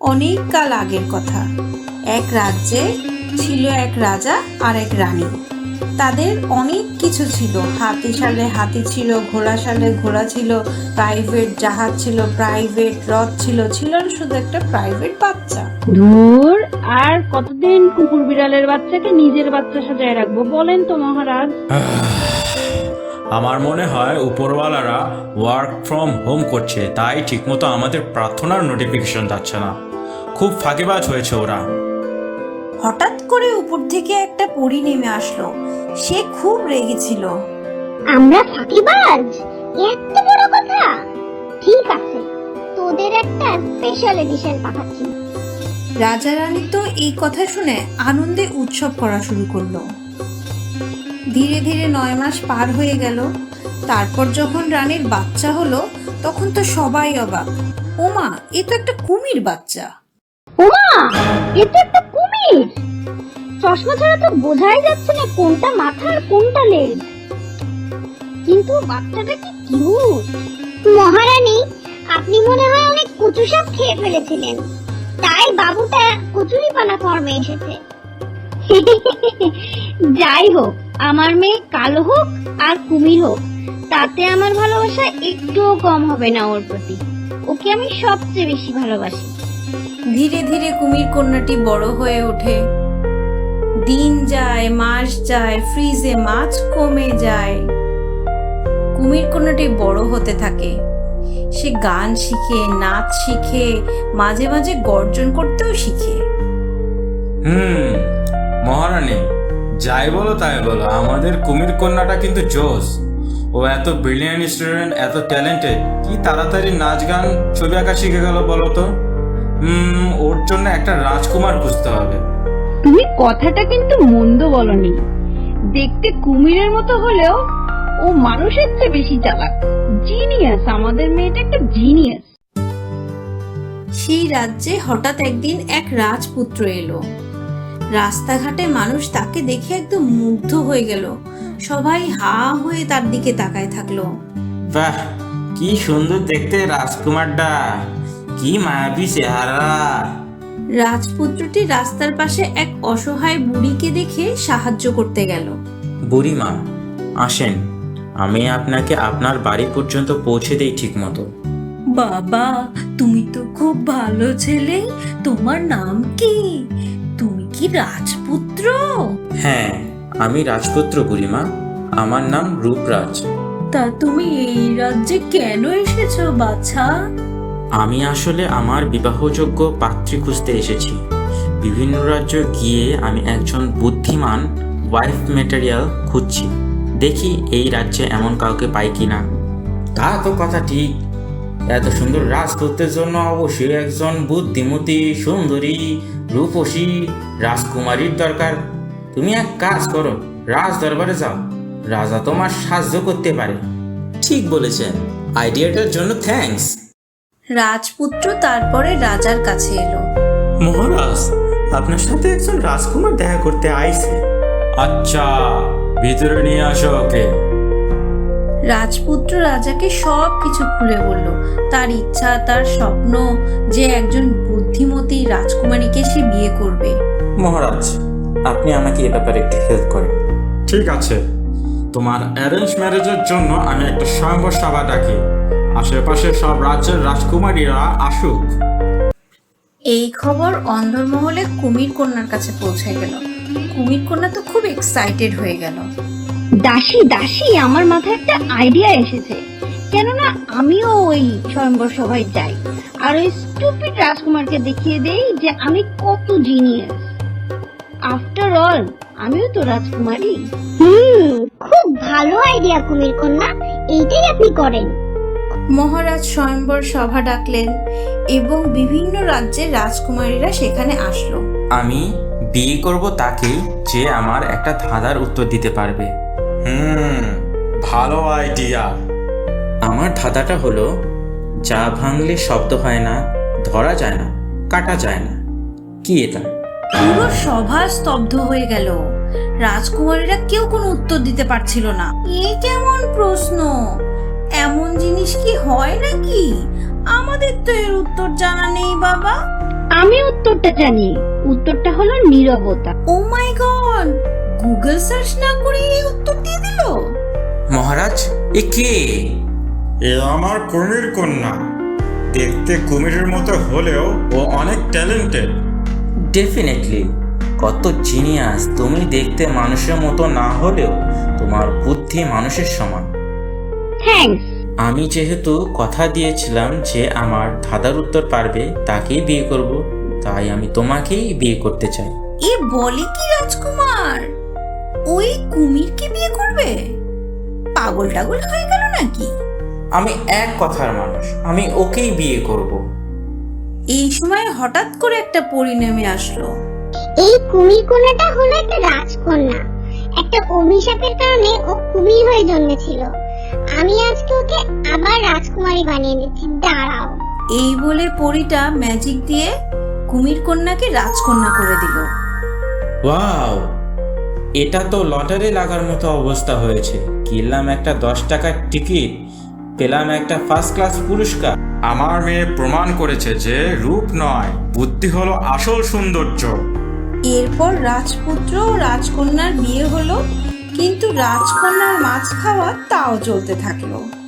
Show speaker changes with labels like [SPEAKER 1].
[SPEAKER 1] অনেক কাল আগের কথা। এক রাজ্যে ছিল এক রাজা আর এক রানী। তাদের অনেক কিছু ছিল, হাতি সালে হাতি ছিল, ঘোড়া সালে ঘোড়া ছিল, প্রাইভেট জাহাজ ছিল, প্রাইভেট রথ ছিল, ছিল শুধু একটা প্রাইভেট বাচ্চা।
[SPEAKER 2] ধুর, আর কতদিন কুকুর বিড়ালের বাচ্চাকে নিজের বাচ্চা সাজায় রাখবো বলেন তো মহারাজ?
[SPEAKER 3] আমার মনে হয় উপরওয়ালারা ওয়ার্ক ফ্রম হোম করছে, তাই ঠিকমতো আমাদের প্রার্থনার নোটিফিকেশন যাচ্ছে না। খুব ফাঁকিবাজ হয়েছে ওরা।
[SPEAKER 1] হঠাৎ করে উপর থেকে একটা পরী নেমে আসলো। সে খুব রেগেছিল।
[SPEAKER 4] আমরা ফাঁকিবাজ? এত বড় কথা! ঠিক আছে, তোদের একটা স্পেশাল এডিশন পাঠাচ্ছি।
[SPEAKER 1] রাজা রানী তো এই কথা শুনে আনন্দে উৎসব করা শুরু করলো। ধীরে ধীরে 9 মাস পার হয়ে গেল। তারপর যখন রানীর বাচ্চা হলো, তখন তো সবাই অবাক। ওমা, এ তো একটা কুমির বাচ্চা।
[SPEAKER 4] ওমা, এ তো একটা কুমির! চশমা ছাড়া তো বোঝাই যাচ্ছে না কোনটা মাথা আর কোনটা লেজ। কিন্তু বাচ্চাটা কি কিউট! মহারানী, আপনি মনে হয় অনেক কচু সাপ খেয়ে ফেলেছিলেন, তাই বাবুটা কচুরিপানা ফর্মে এসেছে। যাই হোক, আমার মেয়ে কালো হোক আর কুমির হোক, তাতে আমার ভালোবাসা একটুও কম হবে না ওর প্রতি। ওকে আমি সবচেয়ে বেশি ভালোবাসি।
[SPEAKER 1] ধীরে ধীরে কুমির কন্যাটি বড় হয়ে ওঠে। দিন যায়, মাস যায়, ফ্রিজে মাছ কমে যায়। কুমির কন্যাটি বড় হতে থাকে। সে গান শিখে, নাচ শিখে, মাঝে মাঝে গর্জন করতেও শিখে।
[SPEAKER 3] মহারানী, যাই বলো তাই বলো, আমাদের কুমির কন্যাটা কিন্তু জোস। ও এত ব্রিলিয়ান্ট স্টুডেন্ট, এত ট্যালেন্টেড, কি তাড়াতাড়ি নাচ গান ছবি আঁকা শিখে গেল বলো তো। ওর জন্য একটা রাজকুমার খুঁজতে হবে।
[SPEAKER 2] তুমি কথাটা কিন্তু মন্দ বলনি। দেখতে কুমিরের মতো হলেও ও মানুষের চেয়ে বেশি চালাক। জিনিয়াস, আমাদের মেয়েটা একটা জিনিয়াস।
[SPEAKER 1] সেই রাজ্যে হঠাৎ একদিন এক রাজপুত্র এলো। রাস্তাঘাটে মানুষ তাকে দেখে একদম মুগ্ধ হয়ে গেল। সবাই হা হয়ে তার দিকে তাকায় থাকলো।
[SPEAKER 5] বাহ, কি সুন্দর দেখতে রাজকুমারটা, কি মায়াবী চেহারা।
[SPEAKER 1] রাজপুত্রটি রাস্তার পাশে এক অসহায় বুড়িকে দেখে সাহায্য করতে গেল।
[SPEAKER 5] বুড়িমা, আসেন, আমি আপনাকে আপনার বাড়ি পর্যন্ত পৌঁছে দেই ঠিক মতো।
[SPEAKER 1] বাবা, তুমি তো খুব ভালো ছেলে। তোমার নাম কি? তুমি কি রাজপুত্র?
[SPEAKER 5] হ্যাঁ, আমি রাজপুত্র বুড়িমা, আমার নাম রূপরাজ।
[SPEAKER 1] তা তুমি এই রাজ্যে কেন এসেছো বাছা?
[SPEAKER 5] আমি আসলে আমার বিবাহযোগ্য পাত্রী খুঁজতে এসেছি। বিভিন্ন রাজ্য গিয়ে আমি একজন বুদ্ধিমান ওয়াইফ ম্যাটেরিয়াল খুঁজছি। দেখি এই রাজ্যে এমন কাউকে পাই কিনা। তা তো কথা ঠিক, এত সুন্দর রাজপুত্রের জন্য অবশ্যই একজন বুদ্ধিমতী, সুন্দরী, রূপসী রাজকুমারীর দরকার। তুমি এক কাজ করো, রাজ দরবারে যাও, রাজা তোমার সাহায্য করতে পারে। ঠিক বলেছেন, আইডিয়াটার জন্য থ্যাঙ্কস।
[SPEAKER 1] রাজপুত্র তারপরে রাজার কাছে এলো।
[SPEAKER 5] মহারাজ, আপনার সাথে একজন রাজকুমার দেখা করতে আইছে।
[SPEAKER 3] আচ্ছা, ভিতরে নিয়ে আসো ওকে।
[SPEAKER 1] রাজপুত্র রাজাকে সব কিছু খুলে বলল। তার ইচ্ছা, তার স্বপ্ন যে একজন বুদ্ধিমতী রাজকুমারীকে সে বিয়ে করবে।
[SPEAKER 5] মহারাজ, আপনি আমাকে এ ব্যাপারে একটু হেল্প করেন।
[SPEAKER 3] ঠিক আছে, তোমার অ্যারেঞ্জ ম্যারেজের জন্য আমি একটা স্বয়ংবর সভা ডাকি। আশেপাশে সব রাজ্যের রাজকুমারীরা আসুক।
[SPEAKER 1] এই খবর অন্দরমহলে কুমির কন্যার কাছে পৌঁছে গেল। কুমির কন্যা তো খুব এক্সাইটেড হয়ে গেল।
[SPEAKER 2] দাসী দাসী, আমার মাথায় একটা আইডিয়া এসেছে। কেননা আমিও ওই স্বয়ংবর সভায় যাই আর ওই স্টুপিড রাজকুমারকে দেখিয়ে দেই যে আমি কত জিনিয়াস। আফটার অল, আমিও তো রাজকুমারী।
[SPEAKER 4] খুব ভালো আইডিয়া কুমির কন্যা, এইটাই আপনি করেন।
[SPEAKER 1] মহারাজ স্বয়ংবর সভা ডাকলেন এবং বিভিন্ন রাজ্যের রাজকুমারীরা সেখানে আসলো।
[SPEAKER 5] আমি বিয়ে করব তাকে যে আমার একটা ধাঁধার উত্তর দিতে পারবে।
[SPEAKER 3] ভালো আইডিয়া।
[SPEAKER 5] আমার ধাঁধাটা হলো, যা ভাঙলে শব্দ হয় না, ধরা যায় না, কাটা যায় না, কি এটা?
[SPEAKER 1] পুরো সভা স্তব্ধ হয়ে গেল। রাজকুমারীরা কেউ কোনো উত্তর দিতে পারছিল না। এ কেমন প্রশ্ন? এমন জিনিস কি হয় নাকি? আমাদের তো এর উত্তর জানা নেই বাবা।
[SPEAKER 2] আমি উত্তরটা জানি, উত্তরটা হলো নীরবতা।
[SPEAKER 1] Oh my god, Google search না করে এই উত্তর দিয়ে দিল।
[SPEAKER 5] মহারাজ, এ কে?
[SPEAKER 3] এ আমার কুমির কন্যা। দেখতে কুমিরের মতো হলেও ও অনেক ট্যালেন্টেড।
[SPEAKER 5] ডেফিনেটলি, কত জিনিয়াস! তুমি দেখতে মানুষের মতো না হলেও তোমার বুদ্ধি মানুষের সমান।
[SPEAKER 2] থ্যাঙ্কস।
[SPEAKER 5] আমি যেহেতু কথা দিয়েছিলাম যে আমার দাদার উত্তর পারবে তাকেই বিয়ে করব, তাই আমি তোমাকেই বিয়ে করতে চাই।
[SPEAKER 1] এ বলে কি রাজকুমার, ওই কুমিরকে বিয়ে করবে? পাগল টাগল হয়ে গেল নাকি?
[SPEAKER 5] আমি এক কথার মানুষ, আমি ওকেই বিয়ে করব।
[SPEAKER 1] এই সময় হঠাৎ করে একটা পরী নেমে আসলো।
[SPEAKER 4] এই কুমির কন্যাটা হলো একটা রাজকন্যা। একটা অভিশাপের কারণে ও কুমির হয়ে জন্মেছিল। আমি আজকে ওকে আবার রাজকুমারী বানিয়ে দিচ্ছি, দাঁড়াও।
[SPEAKER 1] এই বলে পরীটা ম্যাজিক দিয়ে কুমির কন্যাকে রাজকন্যা করে দিল।
[SPEAKER 5] ওয়াও, এটা তো লটারি লাগার মতো অবস্থা হয়েছে। কিনলাম একটা 10 টাকার টিকিট, পেলাম একটা ফার্স্ট ক্লাস পুরস্কার।
[SPEAKER 3] আমার মেয়ে প্রমাণ করেছে যে রূপ নয়, বুদ্ধি হলো আসল সৌন্দর্য।
[SPEAKER 1] এরপর রাজপুত্র ও রাজকন্যার বিয়ে হলো, কিন্তু রাজকন্যার মাছ খাওয়া তাও চলতে থাকলো।